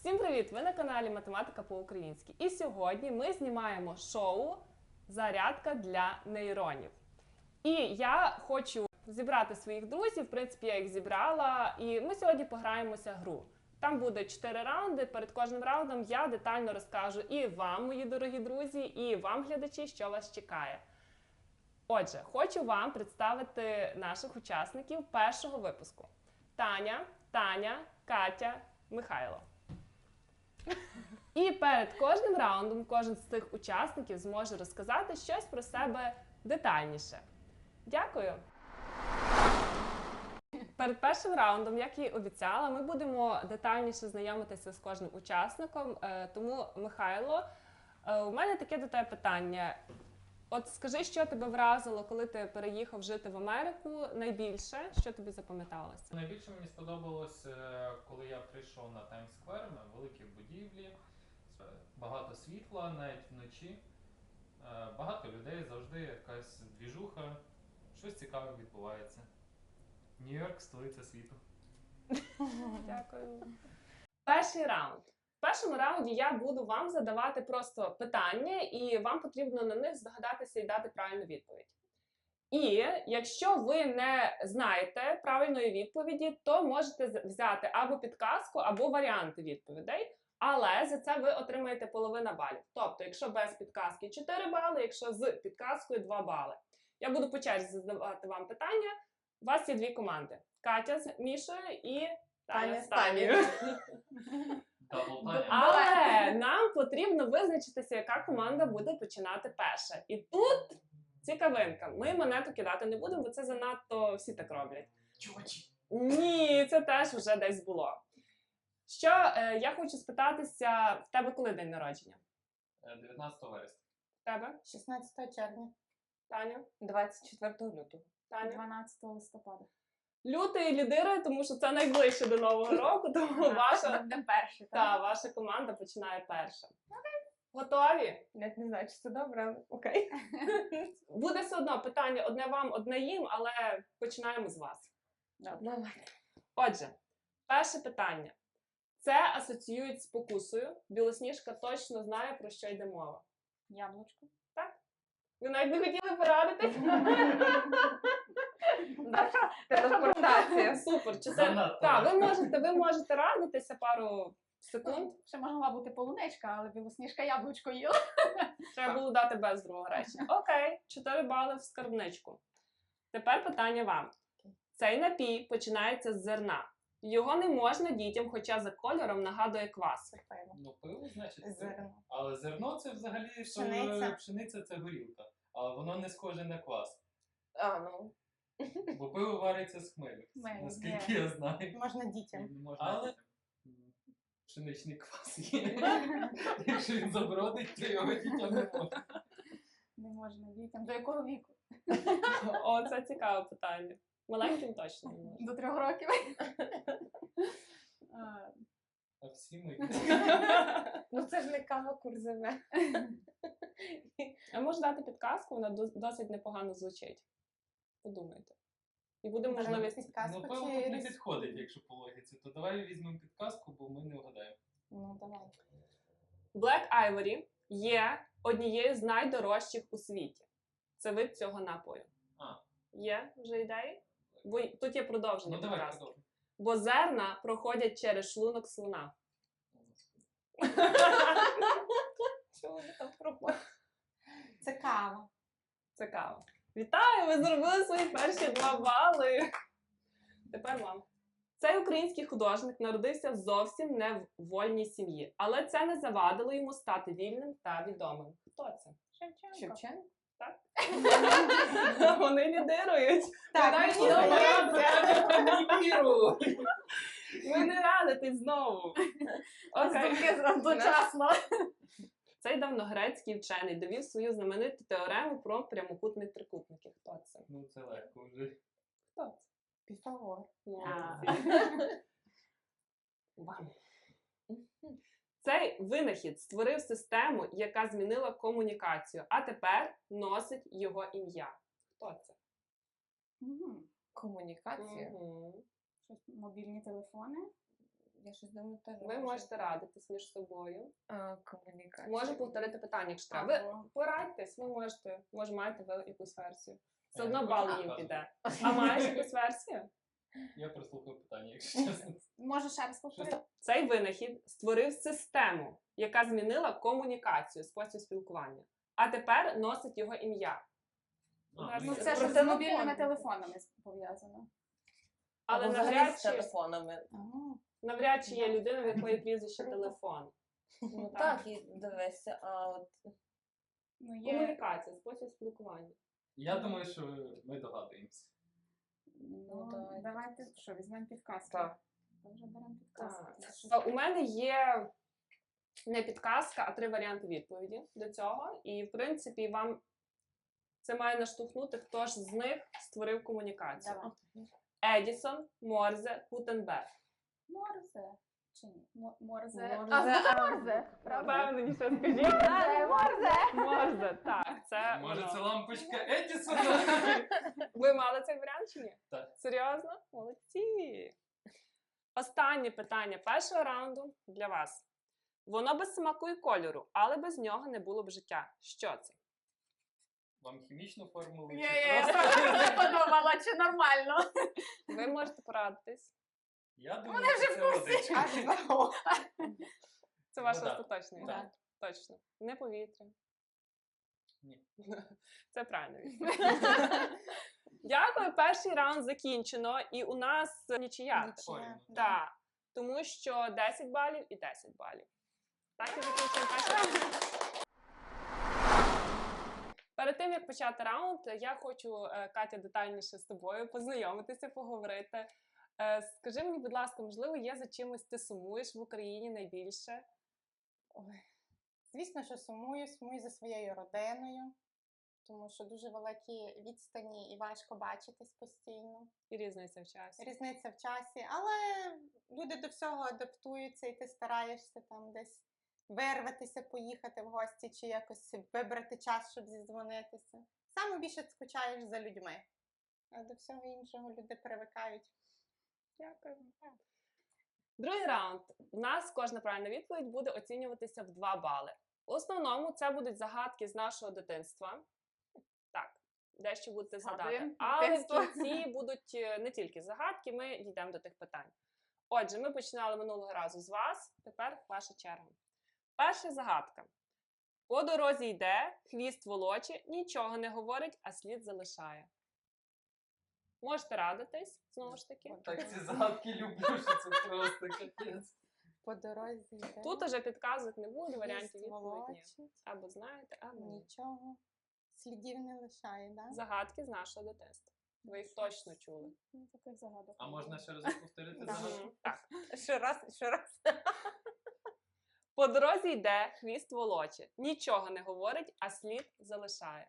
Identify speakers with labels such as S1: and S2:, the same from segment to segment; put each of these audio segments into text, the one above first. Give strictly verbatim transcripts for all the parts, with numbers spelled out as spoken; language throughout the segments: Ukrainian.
S1: Всім привіт! Ви на каналі Математика по-українськи. І сьогодні ми знімаємо шоу «Зарядка для нейронів». І я хочу зібрати своїх друзів, в принципі, я їх зібрала, і ми сьогодні пограємося гру. Там буде чотири раунди, перед кожним раундом я детально розкажу і вам, мої дорогі друзі, і вам, глядачі, що вас чекає. Отже, хочу вам представити наших учасників першого випуску. Таня, Таня, Катя, Михайло. І перед кожним раундом кожен з цих учасників зможе розказати щось про себе детальніше. Дякую! Перед першим раундом, як і обіцяла, ми будемо детальніше знайомитися з кожним учасником. Тому, Михайло, у мене таке до тебе питання. От скажи, що тебе вразило, коли ти переїхав жити в Америку найбільше? Що тобі запам'яталося?
S2: Найбільше мені сподобалось, коли я прийшов на Таймс-сквер, на великі будівлі, багато світла, навіть вночі, багато людей, завжди якась двіжуха, щось цікаве відбувається. Нью-Йорк – столиця світу.
S1: Дякую. Перший раунд. В першому раунді я буду вам задавати просто питання, і вам потрібно на них здогадатися і дати правильну відповідь. І якщо ви не знаєте правильної відповіді, то можете взяти або підказку, або варіанти відповідей, але за це ви отримаєте половину балів. Тобто, якщо без підказки чотири бали, якщо з підказкою два бали. Я буду по черзі задавати вам питання. У вас є дві команди. Катя з Мішою і Таня з Танією. Але нам потрібно визначитися, яка команда буде починати перша. І тут цікавинка. Ми монету кидати не будемо, бо це занадто всі так роблять.
S2: Чувачі!
S1: Ні, це теж вже десь було. Що, е, я хочу спитатися, в тебе коли день народження?
S2: дев'ятнадцятого вересня.
S1: В тебе?
S3: шістнадцятого червня.
S1: Таня?
S3: двадцять четвертого лютого.
S1: Таня?
S3: дванадцятого листопада.
S1: Лютий лідирує, тому що це найближче до Нового року, тому ваша,
S3: Буде перший,
S1: та,
S3: так?
S1: ваша команда починає перша. Готові?
S3: Я не знаю, чи це добре, але окей.
S1: Буде все одно питання одне вам, одне їм, але починаємо з вас.
S3: Добре.
S1: Отже, перше питання. Це асоціюють з покусою. Білосніжка точно знає, про що йде мова.
S3: Яблучко.
S1: Ви навіть не хотіли порадитись?
S3: Телепортація.
S1: Супер. Чи це...
S2: Занадто.
S1: Так, ви можете, ви можете радитися пару секунд.
S3: Ще могла бути полуничка, але білосніжка яблучко їла.
S1: Треба було дати без другого речення. Окей, чотири бали в скарбничку. Тепер питання вам. Цей напій починається з зерна. Його не можна дітям, хоча за кольором нагадує квас.
S2: Ну, пиво, значить, це.
S3: Зерно.
S2: Але зерно це взагалі
S3: Пшениця.
S2: то, пшениця це горілка. Але воно не схоже на квас.
S3: А, ну.
S2: Бо пиво вариться з хмелю,
S3: Хмелю,
S2: наскільки
S3: є.
S2: я знаю.
S3: Можна дітям.
S2: Не можна Але дітям. Пшеничний квас є. Якщо він забродить, то його дітям не можна.
S3: Не можна дітям. До якого віку?
S1: О, це цікаве питання. Маленьким точно не можна.
S3: До трьох років.
S1: А,
S2: А всі ми.
S3: Ну це ж не кава курзове.
S1: А можу дати підказку, вона дос- досить непогано звучить. Подумайте. І буде можливість...
S2: Ну, пиво тут не підходить, якщо по логіці. То давай візьмемо підказку, бо ми не вгадаємо.
S3: Ну, давай.
S1: Black Ivory є однією з найдорожчих у світі. Це вид цього напою.
S2: А.
S1: Є вже ідеї? Бо й- тут є продовження
S2: Ну давай,
S1: підказки.
S2: продовжуй.
S1: Бо зерна проходять через шлунок слона.
S3: Чого ви там пропали? Це кава.
S1: Це кава. Вітаю! Ви зробили свої перші два бали. Тепер вам. Цей український художник народився зовсім не в вольній сім'ї, але це не завадило йому стати вільним та відомим. Хто це?
S3: Шевченко. Шевченко?
S1: Вони лідирують.
S3: Так,
S1: навіть
S3: мені
S1: не
S3: здається.
S2: Не віру!
S1: Ви не радитесь знову. Окей.
S3: Одночасно.
S1: Цей давньогрецький вчений довів свою знамениту теорему про прямокутні трикутники. Хто це?
S2: Ну це легко вже.
S1: Хто це?
S3: Піфагор.
S1: Молодці. Вам. Цей винахід створив систему, яка змінила комунікацію, а тепер носить його ім'я. Хто це?
S3: Комунікація.
S1: Мгм.
S3: Щось, мобільні телефони. Я щось думаю, теж.
S1: Ви можете радитись між собою.
S3: А, комунікація.
S1: Можу повторити питання, якщо треба. Ви
S3: Або-
S1: порадьтесь, ви можете, може маєте ви якусь версію. Все
S2: Я
S1: одно
S2: не
S1: бал
S2: хочу
S1: їм
S2: показувати.
S1: піде. А маєш якусь версію?
S2: Я прослухав питання, якщо чесно.
S3: Може ще раз повторити?
S1: Цей винахід створив систему, яка змінила комунікацію, спосіб спілкування. А тепер носить його ім'я.
S2: А,
S1: Ну,
S3: Ну,
S1: це
S3: це
S1: про
S3: ж з
S1: телефон.
S3: мобільними телефонами пов'язано.
S1: Але
S4: Або взагалі
S1: навряд
S4: з
S1: чи,
S4: телефонами.
S1: навряд чи є людина, в якої прізвище телефон.
S4: Ну
S1: так.
S4: так, і дивися, а от
S3: Ну, є...
S1: Комунікація, спосіб спілкування.
S2: Я думаю, що ми догадуємося.
S3: Ну,
S4: давайте.
S3: давайте, що, візьмемо підказки.
S4: Так.
S3: Ми вже беремо підказки.
S1: Так.
S3: Це щось-
S1: А У мене є не підказка, а три варіанти відповіді до цього. І, в принципі, вам це має наштовхнути, хто ж з них створив комунікацію.
S3: Давай.
S1: Едісон, Морзе, Гутенберг.
S3: Морзе. Чи ні? Мо- Морзе.
S4: Морзе,
S3: А, ну,
S4: а-
S3: Морзе. Правда?
S1: Впевненіше скажіть.
S3: Морзе, Морзе.
S1: Морзе, так. Це
S2: Може,
S1: воно.
S2: це лампочка Едісона?
S1: Ви мали цей варіант чи ні?
S2: Так.
S1: Серйозно? Молодці. Останнє питання першого раунду для вас. Воно без смаку і кольору, але без нього не було б життя. Що це?
S2: Вам хімічну формулу?
S3: Ні,
S2: чи
S3: ні, я
S2: просто?
S3: не подумала, чи нормально.
S1: Ви можете порадитись.
S2: Я думаю,
S3: Вони вже
S2: що
S3: в
S2: це
S3: курсі.
S2: водичка.
S1: Це ваш
S2: Вода.
S1: остаточний
S2: Так.
S1: варіант. Точно. Не повітря.
S2: Ні.
S1: Це правильно. відповідь. Дякую. Перший раунд закінчено. І у нас нічия.
S2: Порівну.
S1: Так. Тому що десять балів і десять балів. Так і закінчуємо перший раунд. Перед тим, як почати раунд, я хочу, е, Катя, детальніше з тобою познайомитися, поговорити. Е, Скажи мені, будь ласка, можливо, є за чимось ти сумуєш в Україні найбільше?
S5: Ой. Звісно, що сумую, сумую за своєю родиною, тому що дуже великі відстані і важко бачитись постійно.
S1: І різниця в часі.
S5: Різниця в часі, але люди до всього адаптуються, і ти стараєшся там десь вирватися, поїхати в гості чи якось вибрати час, щоб зідзвонитися. Саме більше скучаєш за людьми, а до всього іншого люди привикають.
S1: Дякую. Другий раунд. У нас кожна правильна відповідь буде оцінюватися в два бали. В основному це будуть загадки з нашого дитинства. Так, дещо будете згадати.
S3: Згадуємо
S1: Але в
S3: дитинство.
S1: кінці будуть е, не тільки загадки, ми дійдемо до тих питань. Отже, ми починали минулого разу з вас, тепер ваша черга. Перша загадка. По дорозі йде, хвіст волоче, нічого не говорить, а слід залишає. Можете радитись, знову ж таки.
S2: Так ці загадки люблю, що це просто капець.
S5: По дорозі йде,
S1: Тут уже підказок не буде, варіантів
S5: хвіст
S1: відповідь ні.
S5: волочить,
S1: Або знаєте, або ні.
S5: нічого, слідів не лишає, да?
S1: Загадки з нашого дитинства. Ви їх точно чули.
S3: Ну, таких загадок.
S2: А
S3: не
S2: можна
S3: було.
S2: ще раз повторити загадку?
S1: Мгм. Так.
S4: ще раз, ще раз.
S1: По дорозі йде, хвіст волоче. Нічого не говорить, а слід залишає.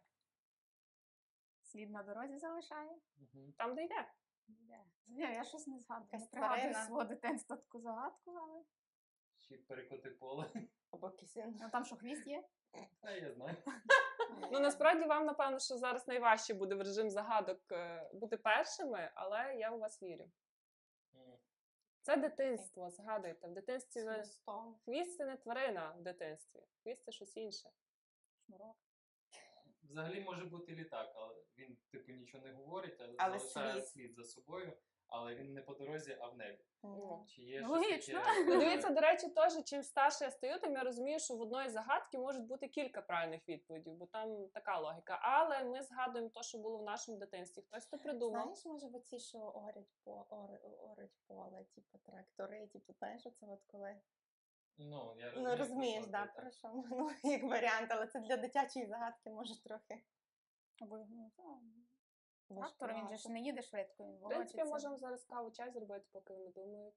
S3: Слід на дорозі залишає?
S2: Мгм.
S1: Там, де йде.
S3: Ні, я щось не згадую. Не
S5: Якась
S3: пригадую
S5: тварина.
S3: свого дитинства таку загадку, але...
S2: Ще перекоти поле.
S4: Або кисень.
S3: Ну, там що, хвіст є?
S2: А я знаю.
S1: Ну, насправді вам, напевно, що зараз найважче буде в режим загадок е, бути першими, але я у вас вірю.
S2: М.
S1: Це дитинство, згадуйте. В дитинстві ви...
S5: Хвостом.
S1: хвіст це не тварина в дитинстві. Хвіст це щось інше.
S3: Шнурок.
S2: Взагалі може бути літак, але він типу нічого не говорить, а
S5: Але
S2: залишає
S5: слід.
S2: слід за собою, але він не по дорозі, а в небі.
S5: Ну,
S2: Чи є
S3: Ну,
S2: щось
S3: логічно.
S2: таке?
S1: Ну, дивіться, до речі, теж, чим старше я стаю, тим я розумію, що в одної загадки можуть бути кілька правильних відповідей, бо там така логіка. Але ми згадуємо те, що було в нашому дитинстві. Хтось то придумав.
S5: Знаєш, може, в оці, що орять, по, ор, орять поле, типу трактори, типу, знаєш, оце от коли.
S2: Ну, я
S5: Ну, розумієш,
S2: про
S5: да,
S2: що ти,
S5: про що? Ну, як варіант, але це для дитячої загадки може трохи.
S3: Або, ну, та,
S5: важкувато.
S3: трактор, він же ж не їде швидко, він
S1: В принципі,
S3: волочиться.
S1: можемо зараз каву чай зробити, поки вони думають.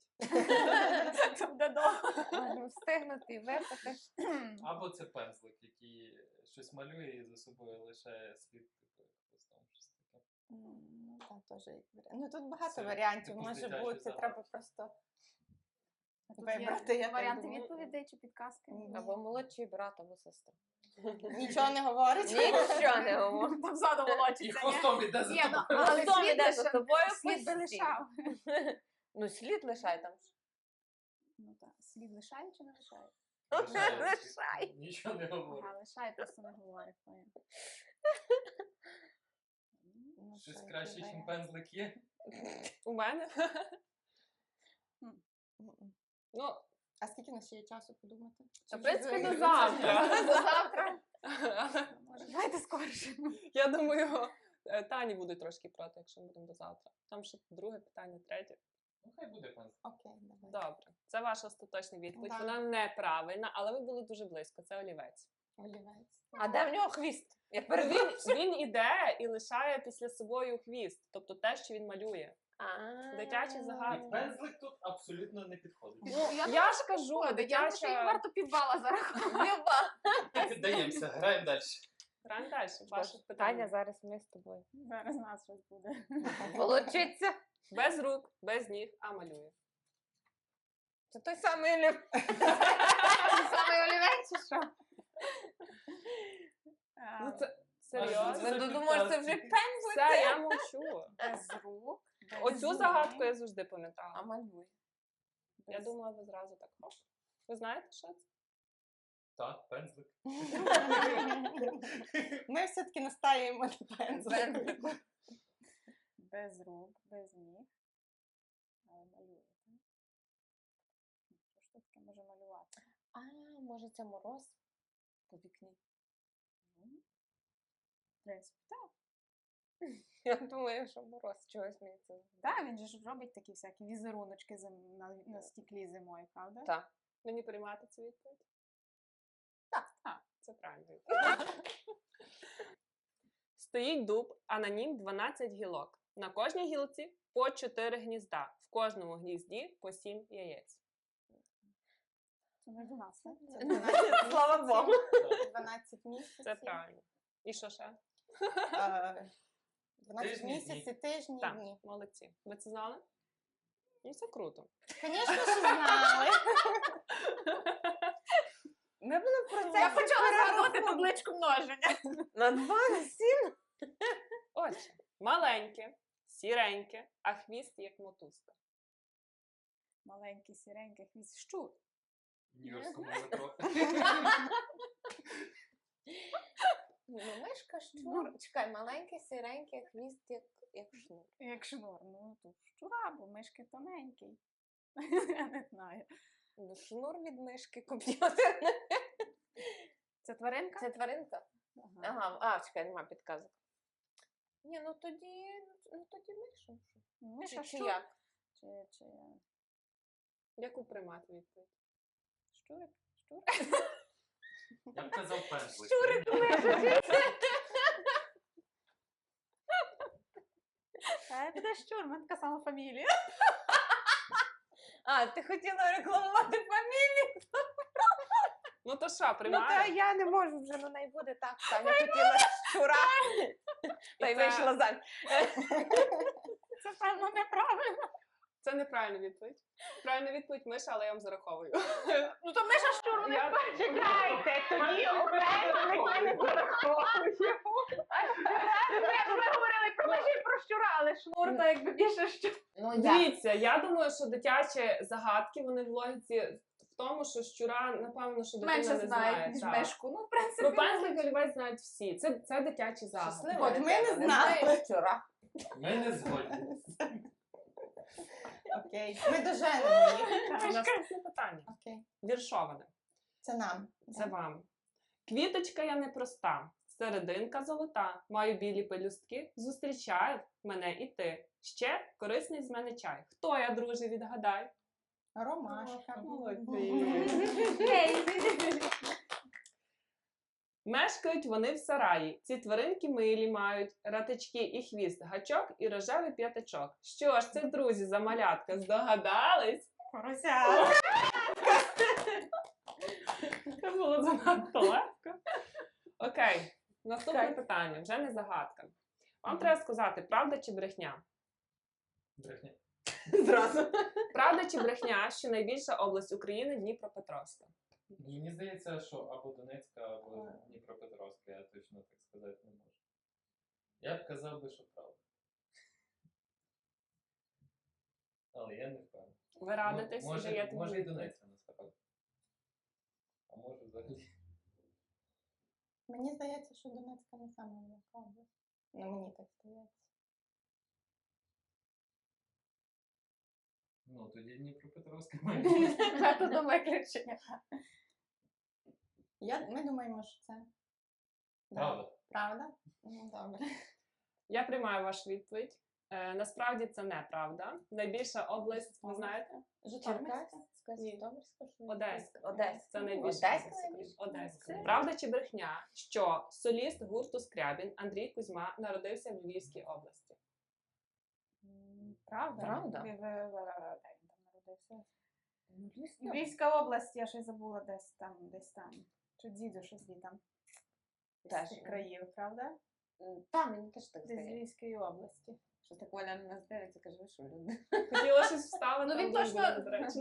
S3: Це буде довго.
S4: Можна встигнути і випити.
S2: Або це пензлик, який щось малює і за собою лишає слід, типу, хвостом, щось таке.
S5: М, Ну, так, теж як варіант. Ну, тут багато
S2: Це
S5: варіантів
S2: типу з
S5: може
S2: дитячої
S5: бути,
S2: загадки.
S5: треба просто
S3: А тут
S5: вибрати,
S3: є
S5: я так
S3: варіанти
S5: думаю.
S3: відповідей чи підказки?
S5: Ні.
S4: Або молодший брат, або сестра.
S5: нічого не говорить.
S4: Нічого не говорю.
S3: Там ззаду
S2: І
S3: волочиться, ні?
S2: хвостом іде за
S3: Ні, ну,
S2: тобою.
S3: але
S4: Хвостом
S3: слід
S4: іде за
S3: лише-
S4: тобою
S3: слід би
S4: постійно.
S3: лишав.
S4: Ну, слід лишай там.
S3: Ну так, слів лишає чи не лишає?
S4: Лишай.
S2: Нічого не говорю.
S3: Ага, лишає, просто не говорить. поняла.
S4: Ну,
S2: Щось
S4: що,
S2: краще,
S4: який
S2: ніж
S4: варіант?
S2: пензлик є.
S1: У мене?
S4: М-м.
S1: Ну,
S5: А скільки у нас ще є часу подумати?
S1: та, в
S5: Чи
S1: принципі,
S5: вже-
S1: до завтра.
S4: До завтра.
S3: Може, давайте скорше.
S1: Я думаю, е, Тані буде трошки проти, якщо ми будемо до завтра. Там ще друге питання, третє.
S2: Ну, хай буде пензлик.
S5: Окей, давай.
S1: Добре. Це ваша остаточна відповідь.
S5: Да.
S1: Вона неправильна, але ви були дуже близько. Це олівець.
S5: Олівець.
S4: А де в нього хвіст? Я
S1: Він,
S4: передумала.
S1: він іде і лишає після собою хвіст, тобто те, що він малює. Дитячі загадки.
S2: І пензлик тут абсолютно не підходить.
S1: Ну,
S3: Я
S1: я ж кажу,
S3: Я думаю, що їм
S1: дитяча...
S3: варто півбала зарахувати.
S2: Не піддаємося, граємо далі.
S1: Граємо далі. Ваше
S4: Таня,
S1: питання.
S4: зараз ми з тобою.
S3: Зараз у нас щось буде.
S4: Волочиться.
S1: Без рук, без ніг, а малює.
S4: Це той самий олів.
S3: Саме олівець чи що?
S1: Ну, це
S2: що
S1: серйозно.
S2: це?
S4: Ви думаєте, це вже пензлик?
S1: Все, я мовчу.
S3: Без рук. без
S1: Оцю
S3: ніг,
S1: загадку я завжди
S4: А
S1: пам'ятала.
S4: малюй.
S1: Я
S3: без-
S1: думала, ви зразу так хоп. Ви знаєте, що це?
S2: Так, пензлик.
S5: Ми все-таки настаємо на пензлику.
S4: Пензлику.
S3: Без рук, без ніг. Але малює, так? Що ж тут таке може малювати?
S4: А, може це мороз по вікні?
S3: Ну, в принципі, так.
S4: Я думаю, що мороз чогось мені це.
S3: Так, він же ж робить такі всякі візеруночки зим- на, на стіклі зимою, правда?
S4: Так.
S1: Мені приймати цю відповідь?
S3: Так, так.
S1: Це правильно. відповідь. Стоїть дуб, а на нім дванадцять гілок. На кожній гілці по чотири гнізда. В кожному гнізді по сім яєць.
S3: Це не до нас, так?
S5: Це дванадцять
S4: Слава Богу.
S5: місяців. дванадцять місяців.
S1: Це правильно. І що ще?
S5: Е, дванадцять
S2: Тижні,
S5: місяців, тижні,
S1: Так,
S5: дні.
S1: молодці. Ви це знали? Ну, це круто.
S5: Звісно, що знали.
S4: Ми були в процесі.
S3: Я почала згадувати табличку множення.
S4: На два, на сім.
S1: Отже, маленьке, сіреньке, а хвіст як мотузка.
S3: Маленький, сіренький хвіст. Щур.
S2: В Нью-Йоркському метро.
S4: Ну, мишка, щур. Чекай, маленький, сіренький, хвіст, як, як шнур.
S3: Як шнур. Ну, тут щура, бо мишки тоненький. Я не знаю.
S4: Ну, шнур від мишки комп'ютерний.
S3: Це тваринка?
S4: Це тваринка?
S3: Ага.
S4: Ага, а, чекай, нема підказок. Ні, ну тоді, ну тоді миша.
S3: Миша
S4: Чи, чи
S3: щур.
S4: як?
S3: Чи, чи...
S1: Яку приймати відповідь?
S3: Щурик? Щур?
S2: Я б казав пензлик.
S4: Щурик, миша,
S3: Та буде щур, в мене така сама фамілія.
S4: А, ти хотіла рекламувати фамілію?
S1: Ну то що,
S4: Ну, та
S1: приймаємо?
S4: я не можу вже, ну, най буде так. Таня хотіла щура, та й
S1: І це-
S4: вийшла заміж.
S3: Це, певно, неправильно.
S1: Це неправильна відповідь. Правильна відповідь Миша, але я вам зараховую.
S3: Ну, то миша щур, вони
S1: Я-
S3: Чекайте, тоді окремо ніхто не зараховує. Ми говорили про миші і про щура, але шнур, то якби більше щур.
S4: Ну,
S1: Дивіться, я думаю, що дитячі загадки, вони в логіці в тому, що щура, напевно, що дитина
S3: Менше
S1: не знає.
S3: знають, ніж
S1: так.
S3: мишку. Ну, в принципі,
S1: Про пензлик олівець знають всі. Це, це дитячі загадки.
S4: Щаслива
S5: От ми не
S4: дитина,
S5: знали.
S4: знає щура.
S2: Ми не згодні.
S5: Окей. Ми доженемо їх.
S1: Наступне питання.
S5: Окей.
S1: Віршоване.
S5: Це нам.
S1: Це вам. Квіточка я непроста, серединка золота, маю білі пелюстки, зустрічає мене і ти. Ще корисний з мене чай. Хто я, друже, відгадай?
S5: Ромашка.
S1: Молодець.
S3: Ей,
S1: Мешкають вони в сараї. Ці тваринки милі мають, ратички і хвіст, гачок і рожевий п'ятачок. Що ж це, друзі, за малятка? Здогадались?
S3: Порося.
S1: Це було занадто легко. Окей, наступне
S4: Окей.
S1: питання, вже не загадка. Вам треба сказати, правда чи брехня?
S2: Брехня.
S1: Зразу. Правда чи брехня, що найбільша область України Дніпропетровська?
S2: Мені здається, що або Донецька, або Дніпропетровська, я точно так сказати не можу. Я б казав би, що правда. Але я не впевнений.
S1: Ви радитесь і
S6: може,
S1: даєте
S6: може і
S1: відповідь?
S6: Донецька насправді. А може взагалі.
S5: Мені здається, що Донецька не саме велика область. Ну, мені так здається.
S6: Ну, тоді Дніпропетровська має бути.
S3: Це до виключення.
S5: Я, ми думаємо, що це. Да.
S6: Правда?
S5: Правда? Ну, добре.
S1: Я приймаю вашу відповідь. Е, насправді це неправда. Найбільша область, ви знаєте?
S5: Житомирська?
S1: Ні.
S4: Житомирська?
S1: Одеська.
S4: Одеська.
S1: Це найбільша
S4: Одеська
S1: область
S4: найбільша?
S1: України. Одеська.
S4: Це-
S1: Правда чи брехня, що соліст гурту Скрябін Андрій Кузьма народився в Львівській області?
S3: М, Правда?
S4: Правда.
S3: Ви- ви- ви- ви- Де він там народився?
S4: Ну, Львівська.
S3: Львівська область, я щось забула десь там, десь там. Чи діду щось звідти. З
S4: Теж
S3: цих
S4: є.
S3: країв, правда?
S4: М, Та, мені теж так
S3: Десь з
S4: здається.
S3: Львівської області.
S4: Що так Оля на нас дивиться, каже, ви що, люди?
S1: Хотіла щось вставити,
S3: Ну, він
S1: але
S3: точно-
S1: було недоречно.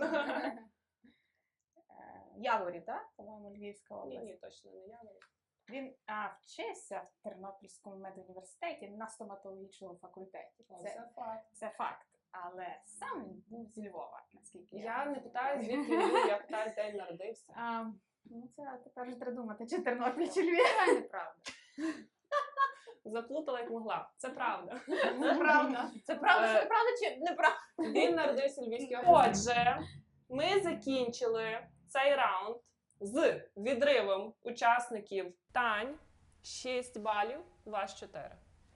S3: Е, Яворі, так? По-моєму, Львівська
S1: Ні,
S3: область.
S1: ні, точно не я.
S3: Він а, вчився в Тернопільському медуніверситеті на стоматологічному факультеті. Це,
S1: факт.
S3: це факт. Але сам він був зі Львова, наскільки я
S1: Я не
S3: знаю.
S1: питаю, звідки він, я питаю, де він народився.
S3: А, ну, це тепер вже треба думати, чи Тернопіль, чи Львів. Це неправда.
S1: Заплутала, як могла. Це правда.
S3: Це правда. Це правда,
S1: Е,
S3: що неправда, чи неправда?
S1: Він народився в Львівській області. Отже, ми закінчили цей раунд з відривом учасників Тань шість балів, ваш чотири.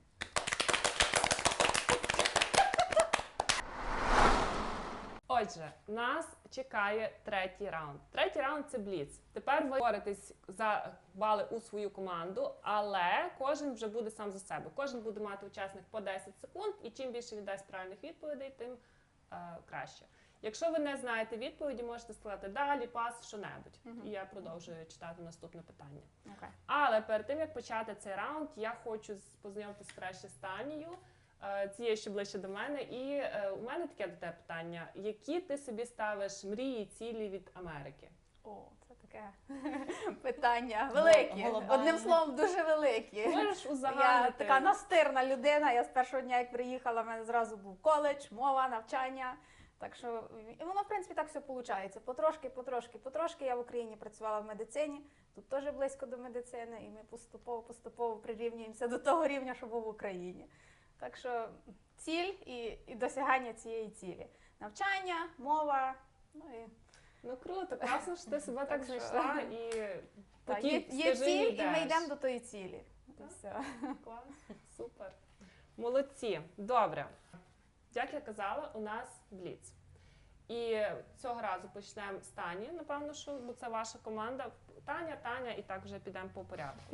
S1: Отже, нас чекає третій раунд. Третій раунд це бліц. Тепер ви боретесь за бали у свою команду, але кожен вже буде сам за себе. Кожен буде мати учасник по десять секунд, і чим більше він дасть правильних відповідей, тим е, краще. Якщо ви не знаєте відповіді, можете сказати далі, пас, що-небудь.
S3: Мгм.
S1: І я продовжую читати наступне питання.
S3: Окей.
S1: Але перед тим, як почати цей раунд, я хочу з- познайомитись краще з Танією, е, цією, що ближче до мене. І е, у мене таке до тебе питання. Які ти собі ставиш мрії, цілі від Америки?
S3: О, це таке питання велике.
S5: глобальне.
S3: Одним словом, дуже велике.
S1: Можеш
S3: Я
S1: узагальнити?
S3: така настирна людина. Я з першого дня, як приїхала, в мене зразу був коледж, мова, навчання. Так що і воно, в принципі, так все виходить. Потрошки, потрошки, потрошки. Я в Україні працювала в медицині, тут теж близько до медицини, і ми поступово, поступово прирівнюємося до того рівня, що був в Україні. Так що ціль і, і досягання цієї цілі. Навчання, мова, ну і
S1: Ну круто, класно, що ти себе так
S3: Так що-
S1: знайшла і
S3: та,
S1: потім
S3: є, є
S1: стежині
S3: ціль, і ми
S1: йдеш.
S3: йдемо до тої цілі. І
S1: Так.
S3: все.
S1: Клас, супер. Молодці. Добре. Як я казала, у нас бліц. І цього разу почнемо з Тані, напевно, що бо це ваша команда. Таня, Таня, і так вже підемо по порядку.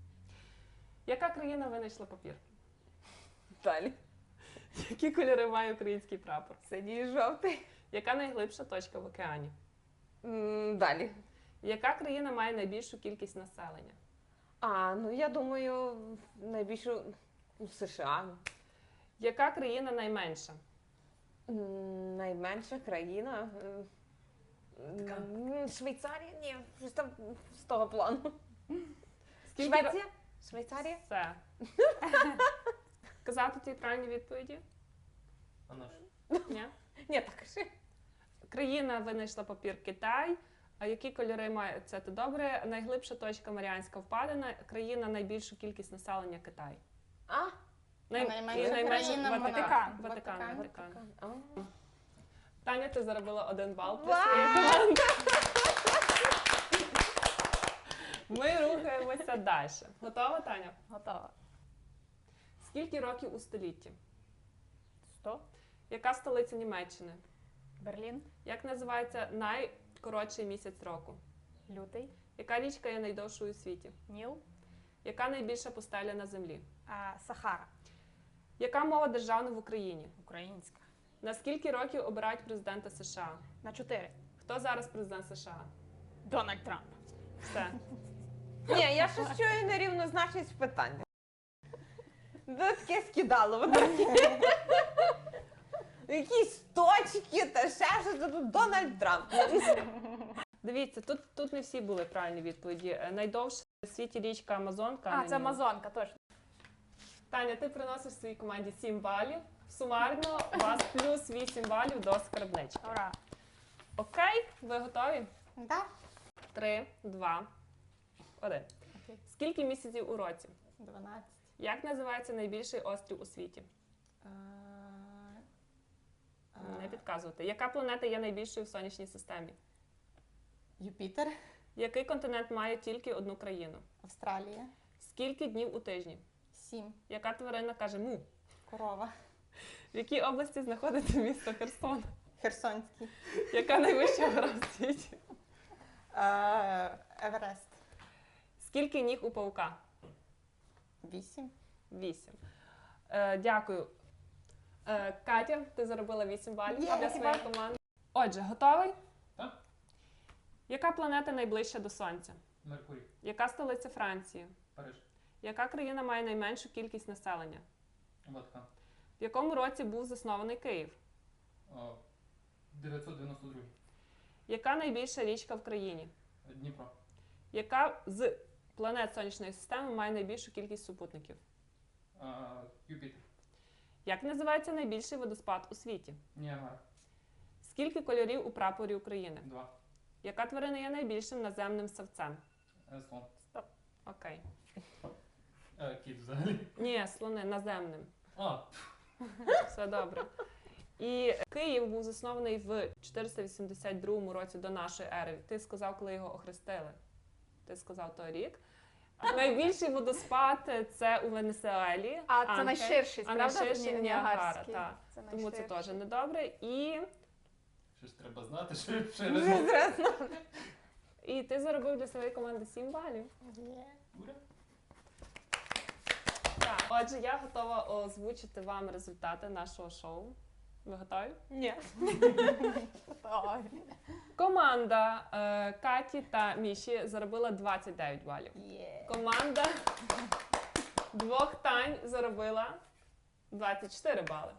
S1: Яка країна винайшла папір?
S4: Далі.
S1: Які кольори має український прапор?
S4: Синій і жовтий.
S1: Яка найглибша точка в океані?
S4: М, Далі.
S1: Яка країна має найбільшу кількість населення?
S4: А, ну я думаю, найбільшу ну, США.
S1: Яка країна найменша?
S4: М, Найменша країна. м, м, Швейцарія? Ні, щось там з того плану.
S1: Скільки ра-
S4: Швеція? Швейцарія?
S1: Все. Казати ті правильні відповіді?
S2: А на що?
S1: Ні?
S4: Ні, так кажи.
S1: Країна винайшла папір Китай. А які кольори має це то добре? Найглибша точка Маріанська впадина. Країна найбільшу кількість населення Китай.
S4: А?
S1: Най...
S5: найменша
S1: і найменша
S5: країна
S1: Ватикан.
S3: вона.
S1: Ватикан.
S5: Ватикан.
S1: Ватикан.
S4: А.
S1: Таня, ти заробила один бал для
S4: Вау!
S1: своєї команди. Ми рухаємося далі. Готова, Таня?
S3: Готова.
S1: Скільки років у столітті?
S3: Сто.
S1: Яка столиця Німеччини?
S3: Берлін.
S1: Як називається найкоротший місяць року?
S3: Лютий.
S1: Яка річка є найдовшою у світі?
S3: Ніл.
S1: Яка найбільша пустеля на землі?
S3: А, Сахара.
S1: Яка мова державна в Україні?
S3: Українська.
S1: На скільки років обирають президента США?
S3: На чотири.
S1: Хто зараз президент США?
S3: Дональд Трамп.
S1: Все.
S4: Ні, я щось чую нерівнозначність в питаннях. Да таке скидало, воно таке. Якісь точки та ще щось, та тут Дональд Трамп.
S1: Дивіться, тут, тут не всі були правильні відповіді. Е, Найдовша в світі річка Амазонка.
S3: А,
S1: на
S3: це
S1: Ніл.
S3: Амазонка, точно.
S1: Таня, ти приносиш своїй команді сім балів. Сумарно у вас плюс вісім балів до скарбнички.
S3: Ура!
S1: Окей, ви готові?
S5: Да?
S1: Три, два, один.
S5: Окей.
S1: Скільки місяців у році?
S5: дванадцять.
S1: Як називається найбільший острів у світі?
S5: А,
S1: Не
S5: а,
S1: підказувати. Яка планета є найбільшою в сонячній системі?
S5: Юпітер,
S1: Який континент має тільки одну країну?
S5: Австралія,
S1: Скільки днів у тижні?
S5: сім,
S1: Яка тварина каже му?
S5: корова,
S1: В якій області знаходиться місто Херсон?
S5: Херсонський,
S1: Яка найвища гора в світі?
S5: а, Еверест,
S1: Скільки ніг у павука?
S5: вісім.
S1: Вісім. Е, дякую. Е, Катя, ти заробила вісім балів
S5: Є,
S1: для своєї
S5: спасибо.
S1: команди. Отже, готовий?
S2: Так.
S1: Яка планета найближча до Сонця?
S2: Меркурій,
S1: Яка столиця Франції?
S2: Париж,
S1: Яка країна має найменшу кількість населення?
S2: Ватикан.
S1: В якому році був заснований Київ?
S2: О, дев'ятсот дев'яносто другий.
S1: Яка найбільша річка в країні?
S2: Дніпро.
S1: Яка з планет Сонячної системи має найбільшу кількість супутників?
S2: А, Юпітер.
S1: Як називається найбільший водоспад у світі?
S2: Ніагара.
S1: Скільки кольорів у прапорі України?
S2: Два.
S1: Яка тварина є найбільшим наземним савцем?
S2: Е, Слон.
S1: Окей.
S2: Е, Кіт взагалі.
S1: Ні, слони, наземним.
S2: А,
S1: Все добре. І Київ був заснований в чотириста вісімдесят другому році до нашої ери. Ти сказав, коли його охрестили. Ти сказав той рік. А найбільший водоспад це у Венесуелі.
S3: А це
S1: Анке.
S3: найширший,
S1: А
S3: правда?
S1: найширший
S3: Ні-
S1: Ніагара,
S3: Ніагарський.
S1: так.
S3: Це
S1: Тому це
S3: найширший.
S1: теж недобре. І,
S2: щось треба знати, що ще раз.
S1: і ти заробив для своєї команди сім балів.
S5: Є.
S2: Ура.
S1: Так. Отже, я готова озвучити вам результати нашого шоу. Ви готові?
S3: Ні. Ой.
S1: Команда е, Каті та Міші заробила двадцять дев'ять балів.
S5: Є.
S1: Команда двох Тань заробила двадцять чотири бали.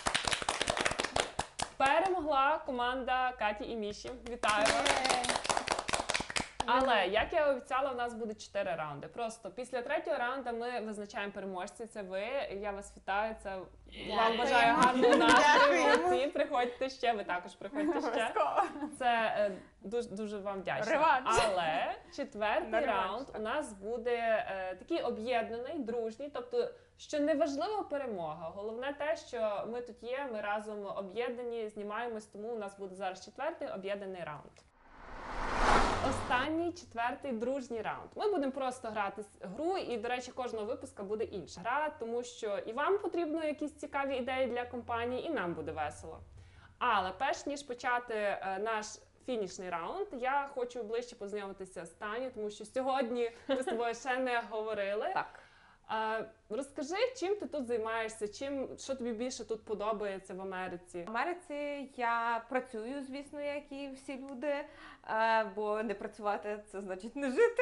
S1: Перемогла команда Каті і Міші. Вітаю вас!
S5: Є.
S1: Але, як я обіцяла, у нас буде чотири раунди. Просто після третього раунду ми визначаємо переможця. Це ви. Я вас вітаю. Це вам
S5: Дякуємо.
S1: бажаю гарного настрою.
S5: Дякуємо.
S1: Молодці. Приходьте ще. Ви також приходьте ще.
S3: Обов'язково.
S1: Це е, дуже дуже вам вдячна.
S3: Реванш.
S1: Але четвертий
S3: На реванш,
S1: раунд
S3: так.
S1: у нас буде е, такий об'єднаний, дружній. Тобто, що не важлива перемога. Головне те, що ми тут є, ми разом об'єднані, знімаємось. Тому у нас буде зараз четвертий об'єднаний раунд. Останній четвертий дружній раунд. Ми будемо просто грати с- гру, і, до речі, кожного випуска буде інша гра, тому що і вам потрібно якісь цікаві ідеї для компанії, і нам буде весело. Але перш ніж почати е, наш фінішний раунд, я хочу ближче познайомитися з Таню, тому що сьогодні ми з тобою ще не говорили.
S4: Так.
S1: Е, розкажи, чим ти тут займаєшся, чим, що тобі більше тут подобається в Америці?
S4: В Америці я працюю, звісно, як і всі люди, е, бо не працювати це значить не жити.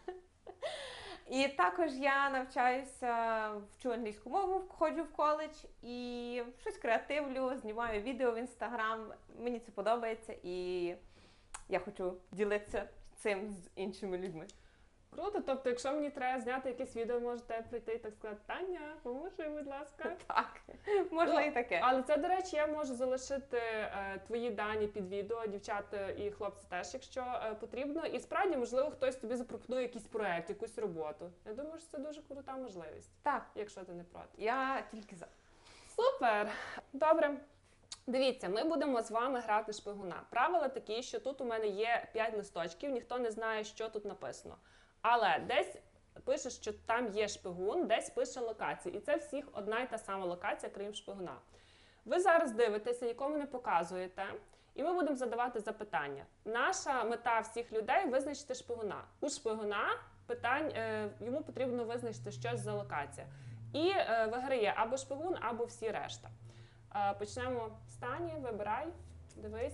S4: І також я навчаюся, вчу англійську мову, ходжу в коледж і щось креативлю, знімаю відео в інстаграм. Мені це подобається і я хочу ділитися цим з іншими людьми.
S1: Круто, тобто, якщо мені треба зняти якесь відео, можете прийти і так сказати, Таня, поможи, будь ласка.
S4: Так, можна і таке.
S1: Але це, до речі, я можу залишити е, твої дані під відео, дівчата і хлопці теж, якщо е, потрібно. І справді, можливо, хтось тобі запропонує якийсь проект, якусь роботу. Я думаю, що це дуже крута можливість,
S4: Так,
S1: якщо ти не проти.
S4: я тільки за.
S1: Супер! Добре. Дивіться, ми будемо з вами грати шпигуна. Правила такі, що тут у мене є п'ять листочків, ніхто не знає, що тут написано. Але десь пише, що там є шпигун, десь пише локація. І це всіх одна й та сама локація, крім шпигуна. Ви зараз дивитеся, нікому не показуєте, і ми будемо задавати запитання. Наша мета всіх людей – визначити шпигуна. У шпигуна питань, е, йому потрібно визначити щось за локація. І е, виграє або шпигун, або всі решта. Е, почнемо з Тані, вибирай, дивись.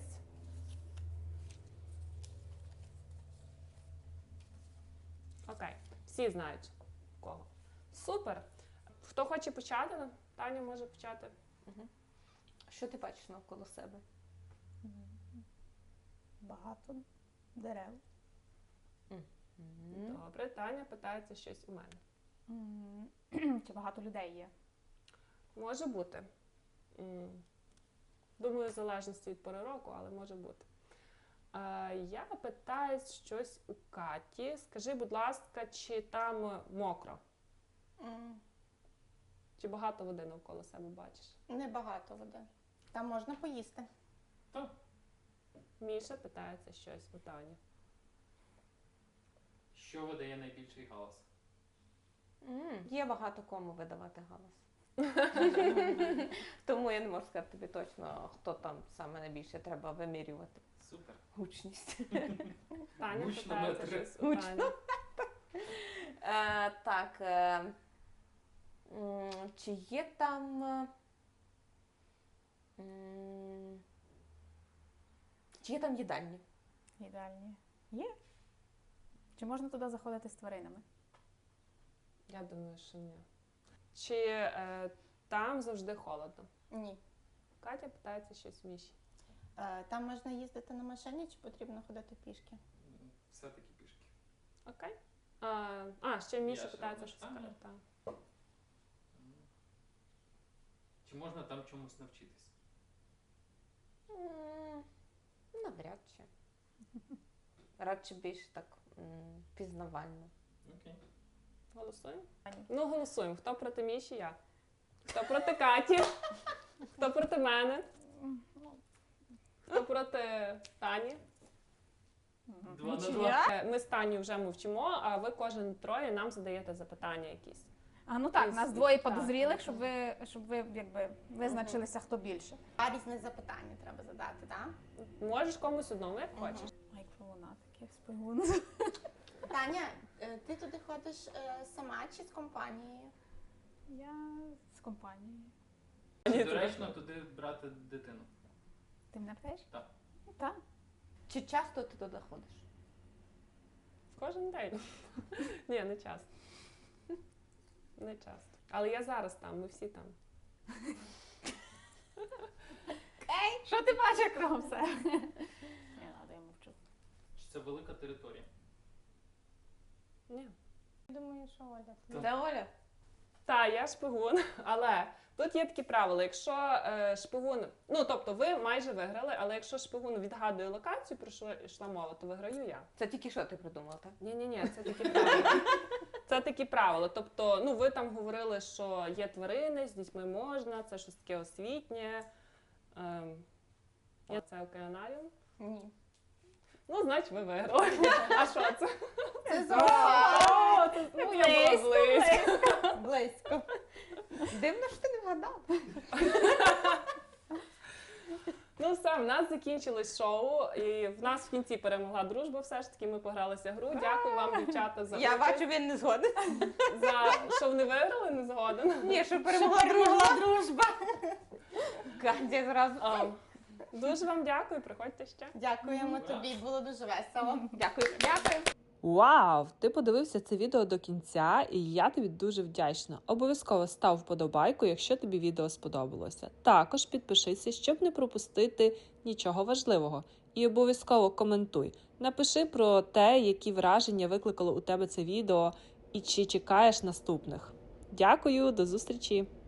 S1: Окей, всі знають кого. Супер. Хто хоче почати? Таня може почати.
S4: Що ти бачиш навколо себе?
S3: Багато дерев.
S1: Добре, Таня питається щось у мене.
S3: М, Чи багато людей є?
S1: Може бути. М, Думаю, в залежності від пори року, але може бути. Е, я питаюсь щось у Каті. Скажи, будь ласка, чи там мокро?
S5: М,
S1: Чи багато води навколо себе бачиш?
S5: Небагато води. Там можна поїсти.
S2: Так.
S1: Міша питається щось у Тані.
S2: Що видає найбільший галас?
S4: М, Є багато кому видавати галас. Тому я не можу сказати тобі точно, хто там саме найбільше треба вимірювати
S2: Супер.
S4: гучність.
S1: Таня
S2: Гучно
S1: питається
S2: метри.
S1: щось у Тані.
S4: Е, так. Е, м, чи є там. е, м, Чи є там їдальні?
S3: Ідеальні. Є. Чи можна туди заходити з тваринами?
S1: Я думаю, що ні. Чи е, там завжди холодно?
S5: Ні.
S1: Катя питається щось у Міші.
S5: Е, Там можна їздити на машині, чи потрібно ходити пішки?
S2: Все-таки пішки.
S1: Окей. А, а ще Міша
S2: ще
S1: питається
S2: одне
S1: щось.
S2: питання.
S1: Так.
S2: Чи можна там чомусь навчитись?
S4: М, Навряд чи. Радше більш так м, пізнавально.
S2: Окей.
S1: Голосуємо?
S3: Тані.
S1: Ну, голосуємо. Хто проти Міші? Я. Хто проти Каті? Хто проти мене? Хто проти Тані?
S2: Два на
S3: Нічия.
S2: два.
S1: Е, Ми з Таню вже мовчимо, а ви кожен троє нам задаєте запитання якісь.
S3: А, ну так,
S1: Із-
S3: нас двоє
S1: так.
S3: подозрілих, щоб ви, щоб ви якби визначилися, хто більше.
S5: А різне запитання треба задати, так?
S1: Можеш комусь одному, як
S5: Мгм.
S1: хочеш.
S3: Ай, вона таке спигун.
S5: Таня, е, ти туди ходиш е, сама чи з компанією?
S3: Я з компанією.
S2: Чи доречно туди брати дитину?
S3: Ти мене питаєш?
S2: Так.
S3: Ну, так.
S4: Чи часто ти туди ходиш?
S1: Кожен день. Ні, не часто. Не часто. Але я зараз там, ми всі там.
S3: Ей, що ти бачиш кругом все? Не надо, я мовчу.
S2: Чи це велика територія?
S1: Ні.
S5: Думаю, що Оля.
S2: Так.
S4: Де Оля?
S1: Так, я шпигун, але тут є такі правила. Якщо е, шпигун, ну тобто ви майже виграли, але якщо шпигун відгадує локацію, про що йшла мова, то виграю я.
S4: Це тільки що ти придумала, так?
S1: Ні, ні, ні, це такі правила. Це такі правила. Тобто, ну ви там говорили, що є тварини, з дітьми можна, це щось таке освітнє. Ем, я- це океанаріум.
S5: Ні.
S1: Ну, значить, ви виграли. А що це?
S5: Це
S1: О,
S5: зоопарк.
S1: це- ну, я була близько.
S5: Близько.
S4: Дивно, що ти не вгадала.
S1: Ну все, в нас закінчилось шоу, і в нас в кінці перемогла дружба. Все ж таки, ми погралися гру. Дякую вам, дівчата, за
S4: Я
S1: участь.
S4: бачу, він не згоден.
S1: За що вони виграли, не згоден.
S4: Ні, що перемогла
S5: Перемогла
S4: дружба.
S5: дружба.
S4: Катя зразу.
S1: А, Дуже вам дякую, приходьте ще.
S5: Дякуємо тобі, було дуже весело.
S4: Дякую. Дякую.
S1: Вау! Ти подивився це відео до кінця, і я тобі дуже вдячна. Обов'язково став вподобайку, якщо тобі відео сподобалося. Також підпишися, щоб не пропустити нічого важливого. І обов'язково коментуй. Напиши про те, які враження викликало у тебе це відео, і чи чекаєш наступних. Дякую, до зустрічі!